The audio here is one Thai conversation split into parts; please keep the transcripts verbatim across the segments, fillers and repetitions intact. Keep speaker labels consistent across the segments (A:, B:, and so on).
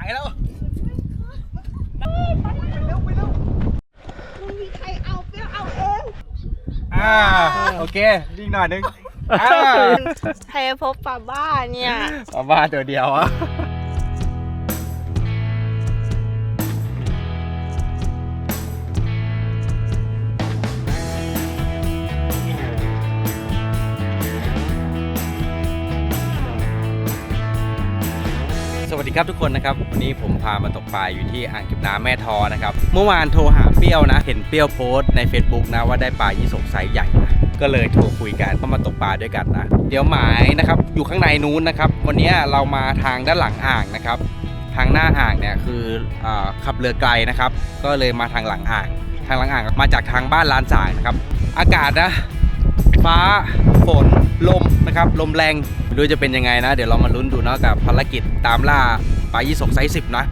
A: แล้ว
B: ไปเร็วไปเร็วมึงมีใครเอาเปรี้ยวเอาเอง
A: อ่าโอเคดิ้งหน่อยนึง
B: ใครพบปลาบ้าเนี่ย
A: ปลาบ้าตัวเดียวอ่ะสวัสดีครับทุกคนนะครับวันนี้ผมพามาตกปลาอยู่ที่อ่างเก็บน้ำแม่ทอนะครับเมื่อวานโทรหาเปรี้ยวนะเห็นเปรี้ยวโพสต์ใน Facebook นะว่าได้ปลายี่สกไซส์ใหญ่นะก็เลยโทรคุยกันเข้ามาตกปลาด้วยกันนะเดี๋ยวหมายนะครับอยู่ข้างในนู้นนะครับวันนี้เรามาทางด้านหลังอ่างนะครับทางหน้าอ่างเนี่ยคืออ่าขับเรือไกลนะครับก็เลยมาทางหลังอ่างทางหลังอ่างมาจากทางบ้านลานสางนะครับอากาศนะฟ้าฝนลมนะครับลมแรงไม่รู้จะเป็นยังไงนะเดี๋ยวเรามาลุ้นดูนะกับภารกิจตามล่าปลายี่สกไซส์สิบนะ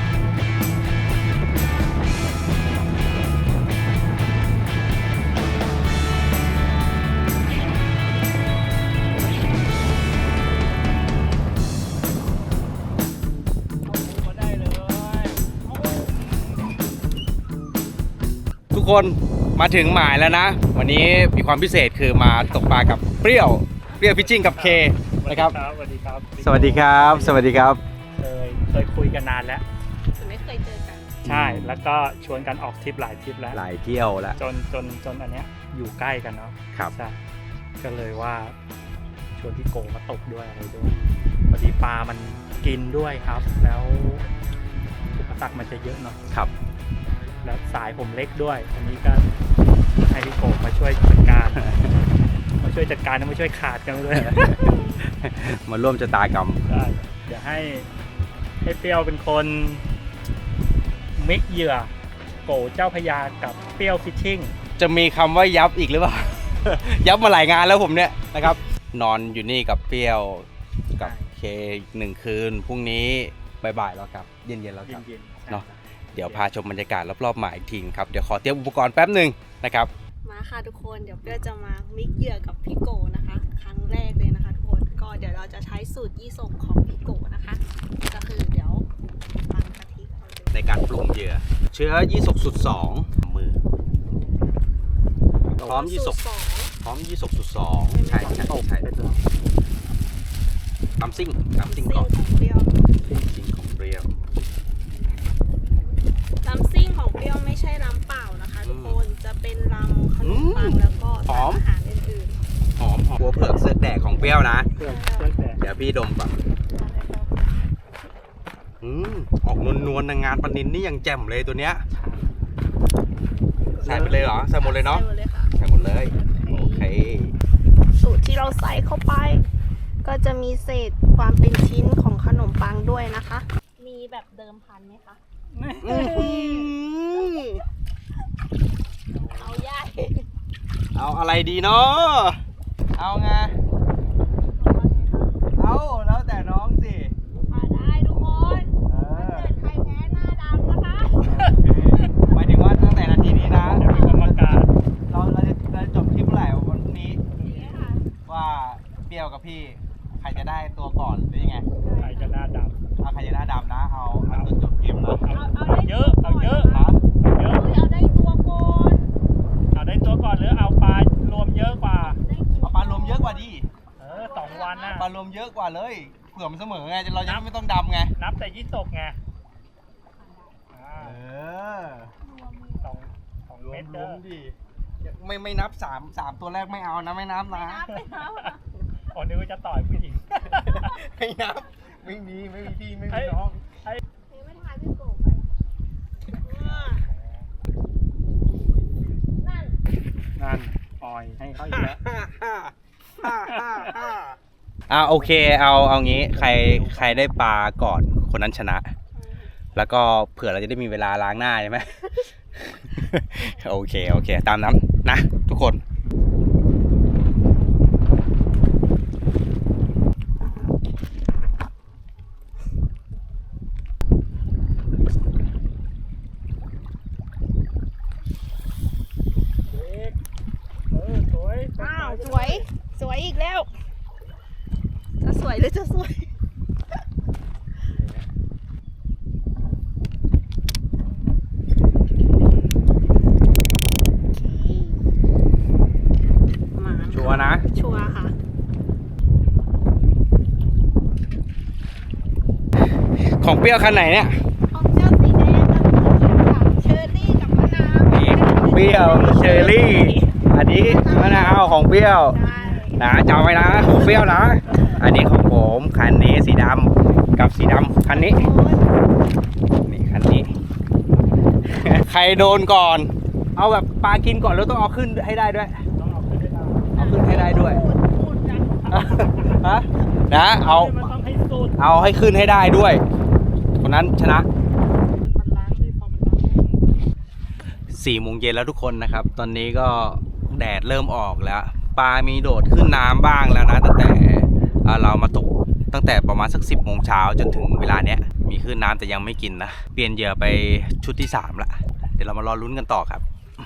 A: ทุกคนมาถึงหมายแล้วนะวันนี้มีความพิเศษคือมาตกปลากับเปรี้ยวเปรี้ยวพิชชิ่งกับเคนะครับ
C: สวัสดีครับ
A: สวัสดีครับสวัสดีครับ
C: เคยเคยคุยกันนานแล้ว
B: แต่ไม่เคยเจอกัน
C: ใช่แล้วก็ชวนกันออกทริปหลายทริปแล้ว
A: หลายเที่ยวแล้ว
C: จนจนจนอันเนี้ยอยู่ใกล้กันเนาะ
A: ครับ
C: ใช่ก็เลยว่าชวนพี่โกมาตกด้วยอะไรด้วยพอดีปลามันกินด้วยครับแล้วอุปสรรคมันจะเยอะเนาะ
A: ครับ
C: แล้วสายผมเล็กด้วยอันนี้ก็ให้พี่โกมาช่วยจัดการมาช่วยจัดการแล้วมาช่วยขาดกันด้วย
A: มาร่วมชะตากรรม
C: ใช่เดี๋ยวให้ให้เปรี้ยวเป็นคนมิกเหยื่อโกเจ้าพญากับเปรี้ยวฟิชชิ่ง
A: จะมีคำว่ายับอีกหรือเปล่า ยับมาหลายงานแล้วผมเนี่ยนะครับนอนอยู่นี่กับเปรี้ยวกับเคหนึ่งคืนพรุ่งนี้บ่ายๆแล้วครับเย็นๆแล้วครับเนาะเดี๋ยวพาชมบรรยากาศรอบๆหมายอีกทีครับเดี๋ยวขอเตรียมอุปกรณ์แป๊บหนึ่งนะครับ
B: มาค่ะทุกคนเดี๋ยวเปรี้ยวจะมามิกเหยื่อกับพี่โกนะคะครั้งแรกเลยนะคะทุกคนก็เดี๋ยวเราจะใช้สูตรยี่สกของพี่โกนะคะก็คือเดี๋ยวฟังกะทิ
A: ในการปรุงเหยื่อเชื้อยี่สกสุดสองมือพร้อมยี่สกพร้อมยี่สกสุดสองใช่ใช่ใช่ตำซิ่งตำซิ่งก่อน
B: ของเปรี้ยว
A: ซิ่งของเปรี้ยว
B: ลำซิ่งของเปรี้ยวไม่ใช่ลำเปล่านะคะทุกคนจะเป็นลำขนมปังแล้วก็อาหารอื่น
A: ๆหอมหอมหัวเผือกเสือกแดกของเปรี้ยวนะเดี๋ยวพี่ดมก่อนอืมออกนวลๆงานปนินนี่ยังแจ่มเลยตัวเนี้ยใส่ไปเลยเหรอใส่หมดเลยเนาะใส่หมดเลยโอเค
B: สูตรที่เราใส่เข้าไปก็จะมีเศษความเป็นชิ้นของขนมปังด้วยนะคะมีแบบเดิมพันไหมคะเอาใหญ่
A: เอาอะไรดีเนาะเอาไงเอาแล้วแต่น้องสิ
B: มาได้ทุกคนถ้าเกิดใครแพ้หน้าดำนะคะ
A: หมายถึงว่าตั้งแต่นาทีนี้นะ
C: เดี๋ยวมีกรรมการ
A: เราเราจะเราจบคลิปเมื่อไหร่วันพรุ่งนี้ว่าเปรี้ยวกับพี่ใครจะได้ตัวก่อนหรือยังไง
C: ใครจะหน้าดำ
A: เอาใครจะหน้าดำนะเอาเอาจนจบเกมนะ
C: เอาเยอะเอาเยอะ
B: ครับเยอะเอาได้ตัวก่อน
C: เอาได้ตัวก่อนหรือเอาปลารวมเยอะกว่า
A: เอาปลารวมเยอะกว่าดิ
C: เออสองวันนะ
A: ปลารวมเยอะกว่าเลยเผื่อมันเสมอไงเราจะไม่ต้องดำไง
C: นับแต่ยี่สกไง
A: เออ
C: สองสองเมตรรวม
A: ดิไม่ไม่นับสามสามตัวแรกไม่เอานะไม่นับนะ
C: อ๋อนึกว่าจะต่อยผู้หญิง
A: ไม่นับไม่มีไม่มีพี่ไม่มีน้อง
B: ไม่ทายพี่โกไปนั่น
C: นั่นปล่อยให้เขาอีกแล้ว
A: อ่าโอเคเอาเอางี้ใครใครได้ปลาก่อนคนนั้นชนะแล้วก็เผื่อเราจะได้มีเวลาล้างหน้าใช่ไหมโอเคโอเคตามนั้นนะทุกคน
B: อ้าวสวยสวยอีกแล้วจะสวยหรือจะสวย
A: ของเปรี้ยวคันไหนเนี่ย
B: ของเจ้าสีแดงกับเชอร์รี่กับมะนาว
A: นี่ของเปรี้ยวเชอร์รี่ อันนี้มะนาวของเปรี้ยว
B: ใช่
A: นะจำไว้นะของเปรี้ยวนะ อันนี้ของผมคันนี้สีดำกับสีดำคันนี้ นี่คันนี้ ใครโดนก่อน เอาแบบปลากินก่อนแล้วต้องเอาขึ้นให้ได้ด้วย
C: ต้องเอาขึ้นให้ได้
A: เอาขึ้นให้ได้ด้วย
B: พูดพูดกัน
A: ฮะนะเอา
C: มันต้องให้สุด
A: เอาให้ขึ้นให้ได้ด้วย คนนั้นชนะ
C: มันล้างดิพอมันล้าง
A: สี่โมงเย็นแล้วทุกคนนะครับ ตอนนี้ก็แดดเริ่มออกแล้ว ปลามีโดดขึ้นน้ำบ้างแล้วนะ ตั้งแต่อ่าเรามาตกตั้งแต่ประมาณสักสิบโมงเช้าจนถึงเวลาเนี้ย มีขึ้นน้ำแต่ยังไม่กินนะ เปลี่ยนเหยื่อไปชุดที่สามละ เดี๋ยวเรามารอลุ้นกันต่อครับ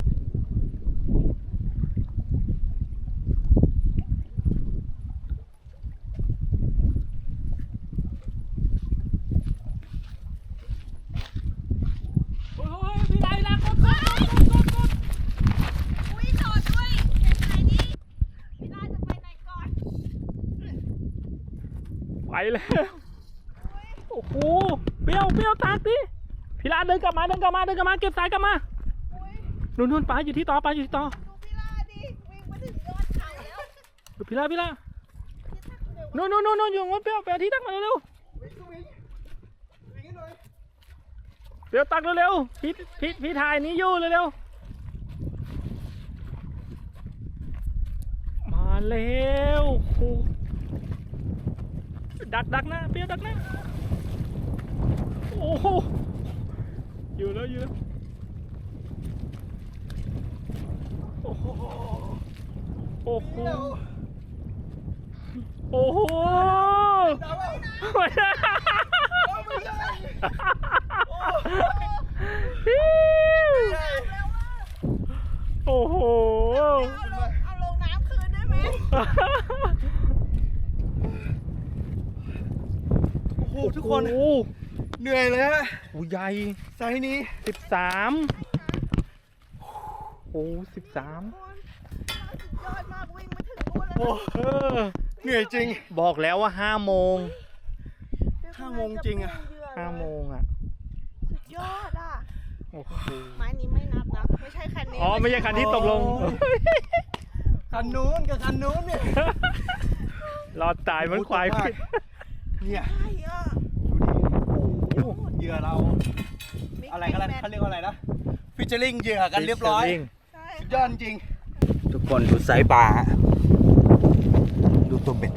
C: โอ้ยพี่ไรละกดกดกดกด
B: อุ้ยจอดด้วยเป็นไงนี่พี่ลาจะไปไหนก่อน
C: ไปแล้วโอ้โหเปรี้ยวเปรี้ยวตากดิพี่ลาเดินกลับมาเดินกลับมาเดินกลับมาเก็บสายกลับมา
B: อุ้ย
C: นู่นนู่นปลาอยู่ที่ต่อปลาอยู่ที่ต่อ
B: ดูพี่ลาดิวิ่งมาถึงยอดเขาแล้ว
C: ดูพี่ลาพี่ลานู่นนู่นนู่นนู่นอยู่งั้นเปรี้ยวไปเอาที่ตักมาเร็วๆเปรี้ยวตักเร็วๆพี่พี่พี่ถ่ายนี้อยู่เร็วๆมาแล้วโอ้โหดักดักนะเปรี้ยวดักนะโอ้โหอยู่แล้วอยู่แล้วโอ้โหโอ้โหโอ้โหไม่ได้โอ้โห
B: เอาลงเอาลงน้ำคืนได้ไหม
A: โอ้โหทุกคน
C: โอ้โห
A: เหนื่อยเลยฮะ
C: โอ้ใหญ่
A: ไซส์นี้
C: สิบสามโอ้สิบสาม
B: สุดยอดมากวิ่งมาถึงนู่นแล้ว
A: โอ้
C: เออ
A: เหนื่อยจริง
C: บอกแล้วว่าห้าโมง
A: ห้าโมงจริงอะ
C: ห้าโมงอ่ะ
B: สุดยอดอ่ะ
C: โอ้โห
B: ไม้นี้ไม่นับนะไม่ใช่คันนี้
C: อ๋อไม่ใช่คันที่ตกลง
A: คันนู้นกับคันนู้นเนี่ย
C: รอดตายเหมือนควาย
A: โอ้โห
C: พิษ
A: เนี่ย
B: ใช่อ่ะ
A: ดูดิโอ้โหเหยื่อเรา อะไรกันเขาเรียกว่าอะไรนะ ฟิชเชอร์ลิงเหยื่อกันเรียบร้อย
B: ใช่
A: สุดยอดจริง ทุกคนดูไซส์ปลาฮะดูตัวเบ็ด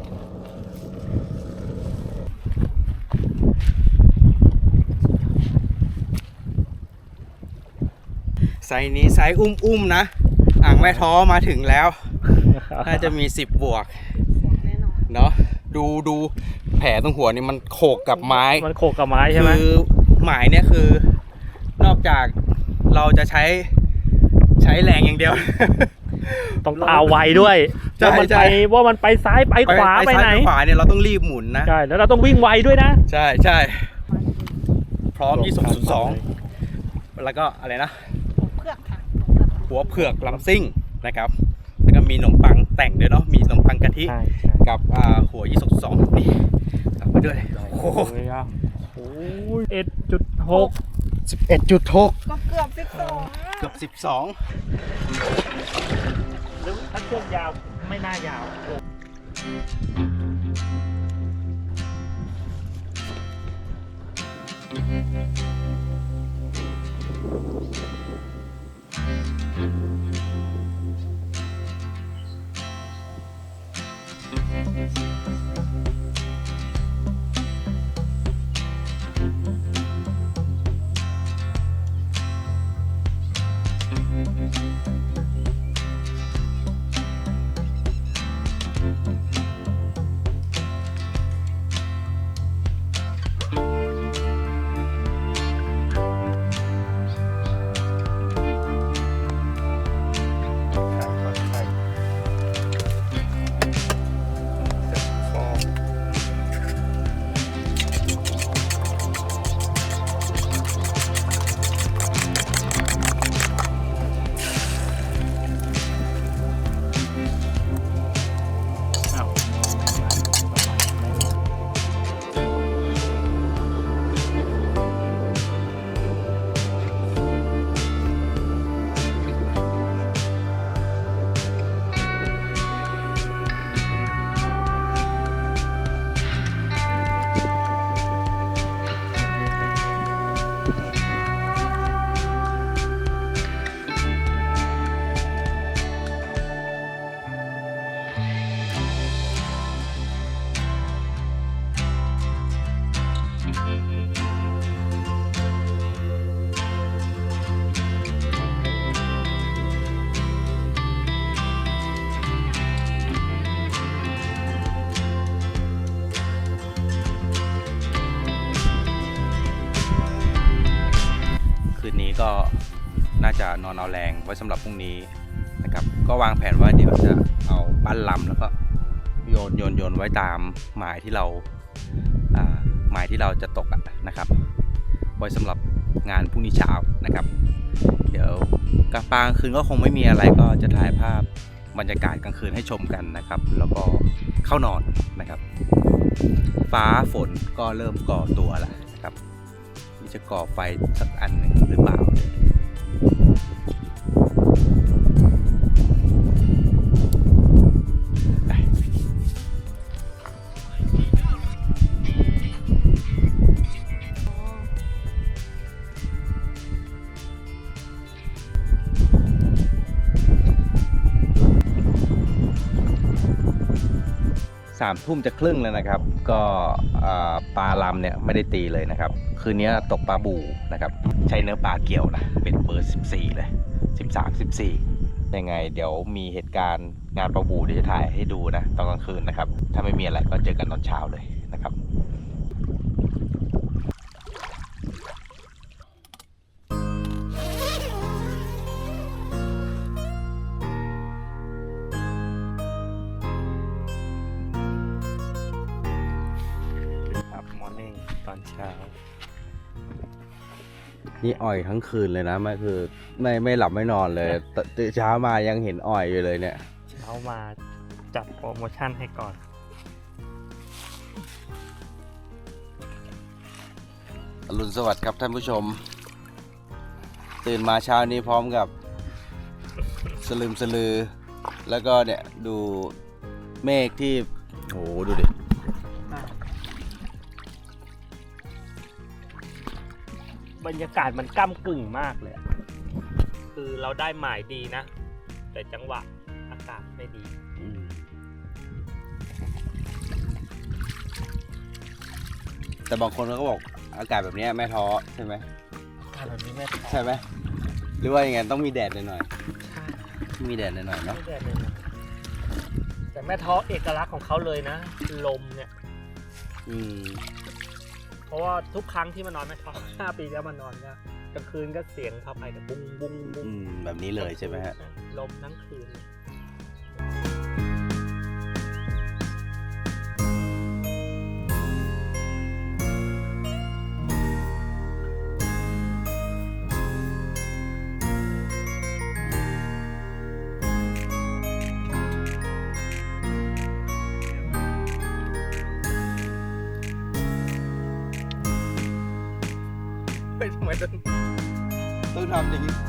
A: ไซส์นี้ไซส์อุ้มๆนะ อ่างแม่ท้อมาถึงแล้ว น่าจะมีสิบบวก
B: แน่นอน
A: เนาะดูดูแผลตรงหัวนี่มันโขกกับไม้
C: มันโขกกับไม้ใช่ไหม
A: คือหมายเนี่ยคือนอกจากเราจะใช้ใช้แรงอย่างเดียว
C: ต้องตาไวด้วย
A: ใช่
C: ว่ามัน
A: ใช่
C: ไปว่ามันไปซ้ายไปขวาไปไหน
A: ซ้ยขวาเนี่ยเราต้องรีบหมุนนะ
C: ใช่แล้วเราต้องวิ่งไวด้วยนะ
A: ใช่ใช่พร้อมยี่สิบสองแล้วก็อะไรนะ
B: เผือกค่ะ
A: หัวเผือกลำซิ่งนะครับ แล้วก็มีขนมปังแต่งด้วยเนาะมีขนมปังกะทิ
C: ใช่ใช่
A: กับอ่าหัวยี่สิบสองนี่กลับมาด้วยโอ้โห
C: โอ้ยอ่ะโอ้ยเอ็ดจุดหก
A: สิบเอ็ดจุดหก
B: ก็เกือบสิบสอง
A: เกือบสิบสอง
C: หรือถ้าช่วงยาวไม่น่ายาว
A: โก็น่าจะนอนเอาแรงไว้สำหรับพรุ่งนี้นะครับก็วางแผนว่าเดี๋ยวจะเอาปั้นลำแล้วก็โยนโยนโยนไว้ตามหมายที่เราอ่าหมายที่เราจะตกอะนะครับไว้สำหรับงานพรุ่งนี้เช้านะครับเดี๋ยวกลางกลางคืนก็คงไม่มีอะไรก็จะถ่ายภาพบรรยากาศกลางคืนให้ชมกันนะครับแล้วก็เข้านอนนะครับฟ้าฝนก็เริ่มก่อตัวแล้วนะครับนี่จะก่อไฟสักอันหนึ่งหรือเปล่าสามทุ่มจะครึ่งแล้วนะครับก็ปลาลำเนี่ยไม่ได้ตีเลยนะครับคืนนี้ตกปลาบูนะครับใช้เนื้อปลาเกี่ยวนะเป็นเบอร์สิบสี่เลยสิบสาม สิบสี่ยังไงเดี๋ยวมีเหตุการณ์งานปลาบูเดี๋ยวจะถ่ายให้ดูนะตอนกลางคืนนะครับถ้าไม่มีอะไรก็เจอกันตอนเช้าเลยนะครับ
C: มอร์นิ่งตอนเช้า
A: นี่อ่อยทั้งคืนเลยนะไม่คือไม่ไม่หลับไม่นอนเลยตื่นเช้ามายังเห็นอ่อยอยู่เลยเนี่ย
C: เช้ามาจัดโปรโมชั่นให้ก่อน
A: อรุณสวัสดิ์ครับท่านผู้ชมตื่นมาเช้านี้พร้อมกับสลืมสลือแล้วก็เนี่ยดูเมฆที่โหดูดิ
C: บรรยากาศมันก้ำกึ่งมากเลยคือเราได้หมายดีนะแต่จังหวะอากาศไม่ดี
A: แต่บางคนเขาก็บอกอากาศแบบนี้ไม่ท้อใช่ไหม
C: อากาศแบบนี้ไม่ท้อ
A: ใช่ไหมหรือว่ายังไงต้องมีแดดหน่อยๆมีแดดหน่อยๆเนาะ
C: แต่แม่ท้อเอกลักษณ์ของเขาเลยนะลมเนี่ย
A: อืม
C: เพราะว่าทุกครั้งที่มานอนแม่ท้อห้าปีแล้วมานอนเนี่ยกลางคืนก็เสียงพาไปแต่บุ้งบุ้งบุ้ง
A: แบบนี้เลยใช่ไหมฮะ
C: ลมทั้งคืน
A: ทำไมต้องต้องทำอย่างนี้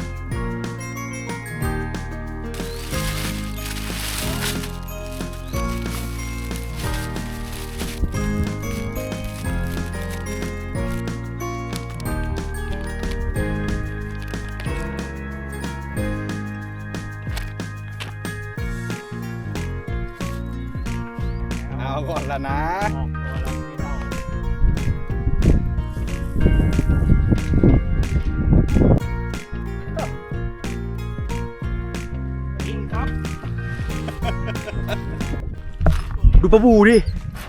A: เอาก่อนละนะดูปลาบูดิ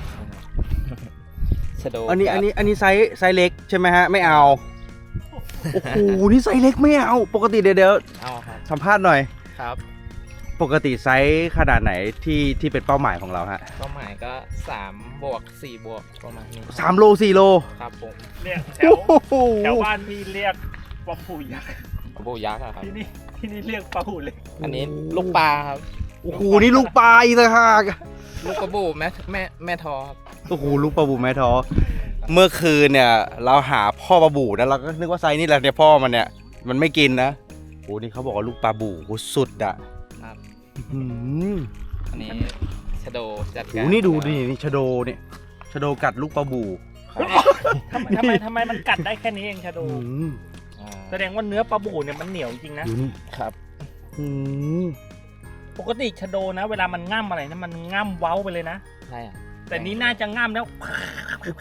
A: อันนี้อันนี้อันนี้ไซส์ไซส์เล็กใช่ไหมฮะไม่เอาโอ้โหนี่ไซส์เล็กไม่เอาปกติเดี๋ยวเดี๋ยวสัมภาษณ์หน่อย
D: ครับ
A: ปกติไซส์ขนาดไหนที่ที่เป็นเป้าหมายของเราฮะ
D: เป้าหมายก็สามบวกสี่บวกประมาณนี้
A: สามโลสี่โล
D: ครับผม
C: เรียกแถวแถวบ้านพี่เรียกปลาบูยักษ์
D: ปลาบูยักษ์ครับ
C: ที่นี่ที่นี่เรียกปลาบูเล็ก
D: อันนี้ลูกปลาครับ
A: โอ้โหนี่ลูกปลาอีกต่างหาก
D: ลูกปลาบูแม่แม่แม่ทอครับ
A: โอ้โหลูกปลาบูแม่ทอเมื่อคืนเนี่ยเราหาพ่อปลาบูนะเราก็นึกว่าไซส์นี่แหละเนี่ยพ่อมันเนี่ยมันไม่กินนะโอ้นี่เขาบอกว่าลูกปลาบูโหสุดอ่ะ
D: ครับ
A: อั
D: นนี้ชะโดจัดการ
A: โอ้นี่ดูดินี่ชะโดเนี่ยชะโดกัดลูกปลาบู
C: ทำไมทำไมมันกัดได้แค่นี้เองชะโดแสดงว่าเนื้อปลาบูเนี่ยมันเหนียวจริงนะครับปกติชะโดนะเวลามันง่ำอะไรนะมันง่ำเว้าไปเลยนะ
D: ใช่
C: แต่นี้น่าจะง่ำแล้ว
A: โอ้โห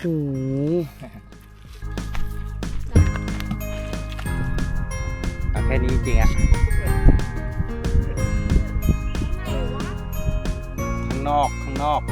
A: แค่นี้จริงอะข้างนอกข้างนอก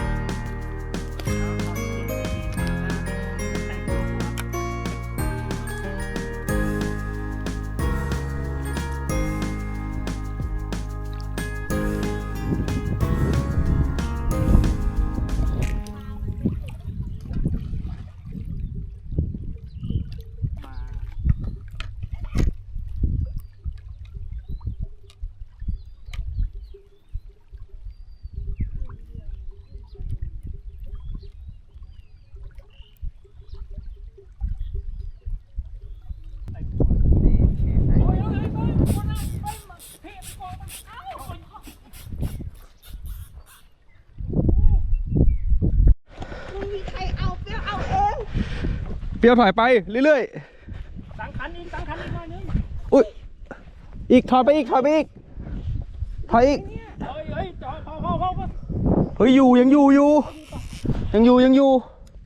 A: เปรี้ยวถอยไปเรื่อย
C: สังขันอีกสังขันอีกหน่อยนึง
A: ๆอุ้ยอีกถอยไปอีกถอยไปอีกถอยอีก
C: เฮ้ยเฮ้ยจอดเข้าเข้าเข้าเข้า
A: เฮ้ยอยู่ยังอยู่อยู่ยังอยู่ยังอยู่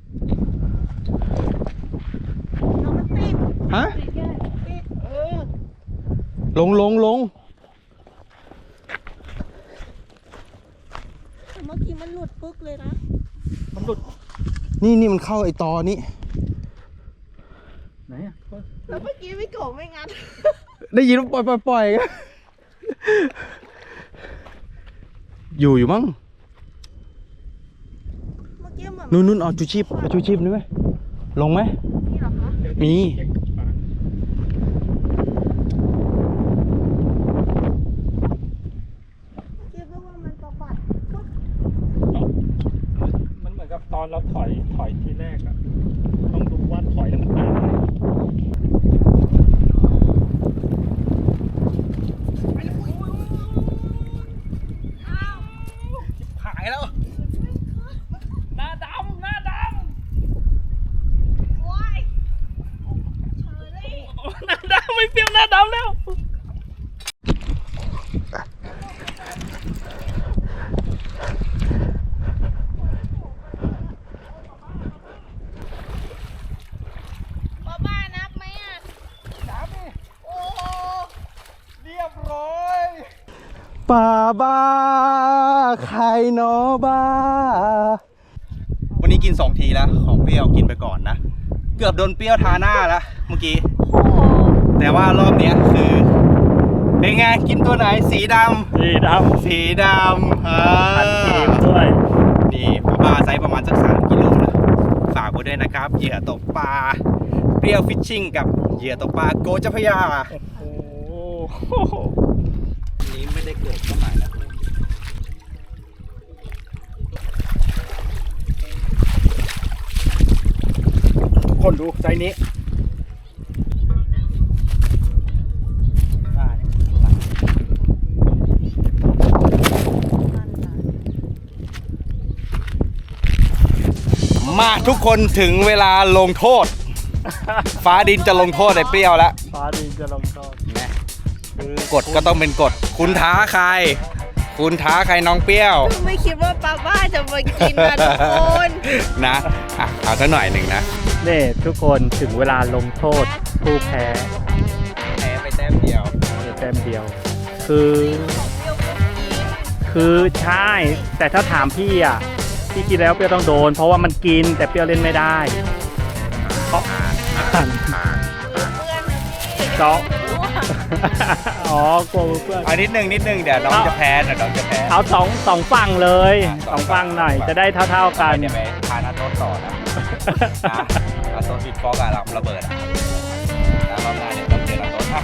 B: น้องมันติด
A: ฮะ
B: ติดแกติดเออ
A: ลงลงลง
B: แต่เมื่อกี้มันหลุดปึ๊กเลยนะ
C: มันหลุด
A: นี่นี่มันเข้าไอตอนี้
C: ไหนอ่ะ
B: แล้วเมื่อกี้พี่โกไม่งัด
A: ได้ยินว่าปล่อยปล่อยปล่อยอยู่อยู่มั้ง
B: เมื่อกี้เหมือน
A: นู่นนู่นเอาชูชีพเอาชูชีพนี่ไหมลงไหม
B: นี่เหรอคะ
A: มี
B: คิดว่ามันสะบัดปึ๊ก
C: มันเหมือนกับตอนเราถอยถอยทีแรกอะต้องดูว่าถอยแล้วมันตามไหม
A: หายแล้ว
C: หน้าดำหน้าด
B: โอ้ยเชอรี่
C: ำหน้าดำไม่เปรี้ยวหน้าดำแล้ว
B: ป้าบ้านับไหมอ่ะนับโอ้โห
A: เรียบร้อยป่าบ้าใครเนาะบ้า วันนี้กินสองทีแล้วของเปรี้ยวกินไปก่อนนะ เกือบโดนเปรี้ยวทาหน้าแล้วเมื่อกี้
B: โอ้โห
A: แต่ว่ารอบเนี้ยคือเป็นไงกินตัวไหนสีด
C: สีด
A: ำสีดำอ่า
C: ำพันเกมด้วย
A: นี่ปลาไซส์ประมาณสักสามกิโลนะฝากไว้ด้วยนะครับเหยื่อตกปลาเปรี้ยวฟิชชิ่งกับเหยื่อตกปลาโกเจ้าพระยา
C: โอ้โห
A: นี้ไม่ได้เกิดขึ้นใหม่นะคนดูไซส์นี้มาทุกคนถึงเวลาลงโทษ ฟ้าดินจะลงโทษไอ้เปรี้ยวแล้ว
C: ฟ้าดินจะลงโทษ
A: กฎก็ต้องเป็นกฎคุณท้าใคร คุณท้าใครน้องเปรี้ยว
B: ไม่คิดว่าป้าบ้าจะมากินนะทุกคน
A: นะอ่ะเอาสักหน่อยหนึ่งนะ
C: นี่ทุกคนถึงเวลาลงโทษผู้แพ้
A: แพ้ไปแต้มเดียว
C: ในแต้มเดียว คือ
B: ของเปรี้ยวก็กิน
C: คือใช่ แต่ถ้าถามพี่อ่ะ พี่กินแล้วเปรี้ยวต้องโดน เพราะว่ามันกินแต่เปรี้ยวเล่นไม่ได้เพราะ
B: เพื่อนนะพี่
C: เจาะอ๋อกลัวเพื่อน
A: เอานิดนึงนิดนึงเดี๋ยวน้องจะแพ้เดี๋ยวน้องจะแพ้
C: เอาสองสองฝั่งเลย
A: อ่ะ
C: สองฝั่งหน่อย จะได้เท่าๆกัน
A: เดี๋ยวไปทานอาโต้ต่อนะนะอาโต้บิดฟอกอะระเบิดอะแล้วรอบหน้าเนี่ยต้องเจออาโต้อ่ะ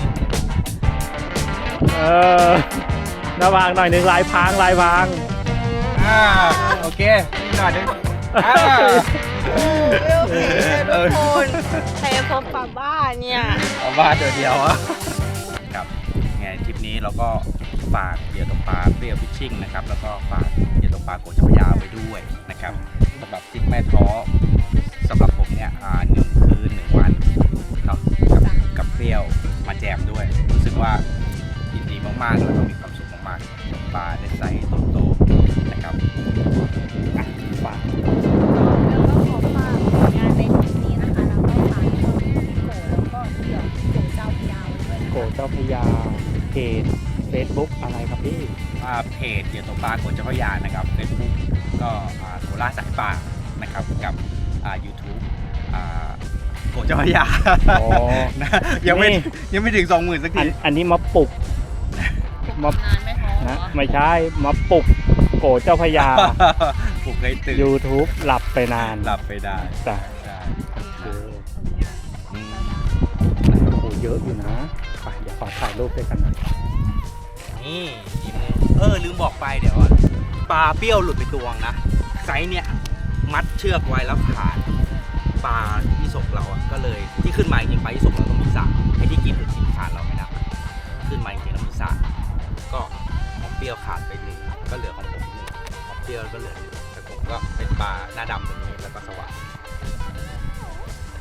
C: เออหน้าวางหน่อยหนึ่งลายพรางลายพราง
A: อ่าโอเคนิดหน่อยนึงอ่า
B: เปรี้ยวกินเลยทุกคนแต่พบป้าบ้าเนี่ย
A: เอาบ้านเดียวเดียวอะครับไงทริปนี้เราก็ฝากเหยื่อตกปลาเปรี้ยวฟิชชิ่งนะครับแล้วก็ฝากเหยื่อตกปลาโกเจ้าพระยาไว้ด้วยนะครับสำหรับทริปแม่ท้อสำหรับผมเนี่ยอ่าหนึ่งคืนหนึ่งวันเนาะกับกับเปรี้ยวมาแจมด้วย รู้สึกว่ายินดีมากๆแล้วก็มีความสุขมากๆตกปลาได้ไซส์โตๆนะครับอ่ะฝาก
B: แล้วก็ขอฝากผลงานในคลิปนี้นะคะ แล้วก็ฝากช่องพี่โกแล้วก็เดี๋ยวโกเจ้าพยาวไว้ด้วยนะ
C: โก
B: คะ
C: เจ้าพระยาเพจ Facebook อะไรครับพี่
A: อ่าเพจเหยื่อตกปลาโกเจ้าพระยานะครับเฟซบุ๊กก็อ่าโคราชสายป่านะครับกับอ่ายูทูบอ่าโกเจ้าพระยา
C: อ๋อ
A: นะยังไม่
C: นี่
A: ยังไม่ถึงสองหมื่นสัก
C: อั
A: ที
C: นอันนี้มาปลุกมา
B: ทำงานไม่ท้อ
C: นะไม่ใช่มาปลุกโกเจ้าพระยา
A: ผมเคยตื่น
C: YouTube หลับไปนาน
A: หลับไปได้
C: จ้ะ
A: ใช่
C: โอเค
A: อืม
C: โอ้เยอะอยู่นะไปเดี๋ยวขอถ่ายรูปด้วยกันหน่อย
A: นี่อีกมือเออลืมบอกไปเดี๋ยวอะปลาเปรี้ยวหลุดไปตัวงนะไซส์เนี่ยมัดเชือกไว้แล้วขาดปลาที่ศกเราอะก็เลยที่ขึ้นมาจริงๆปลาที่ศกเราต้องมีสามไอ้ที่กินหรือกินขาดเราไม่นับขึ้นมาจริงๆแล้วมีสามก็ของเปรี้ยวขาดไปหนึ่งก็เหลือของผมหนึ่งของเปรี้ยวก็เหลือหนึ่งแต่ผมก็เป็นปลาหน้าดำตรงนี้แล้วก็สว่าง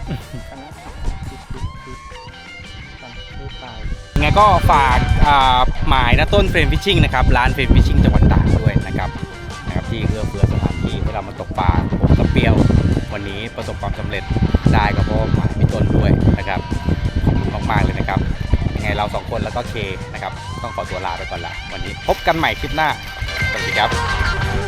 C: กันนะคิดคิดคิดกันไม่ตาย
A: ยังไงก็ฝากอ่าหมายนะต้นเฟรมฟิชชิ่งนะครับร้านเฟรมฟิชชิ่งจังหวัดตากด้วยนะครับนะครับที่เอื้อเฟื้อสถานที่ให้เรามาตกปลาผมกับเปรี้ยววันนี้ประสบความสำเร็จได้ก็เพราะหมายพี่ต้นด้วยนะครับขอบคุณมากๆเลยนะครับยังไงเราสองคนแล้วก็เคนะครับต้องขอตัวลาไปก่อนละวันนี้พบกันใหม่คลิปหน้าสวัสดีครับ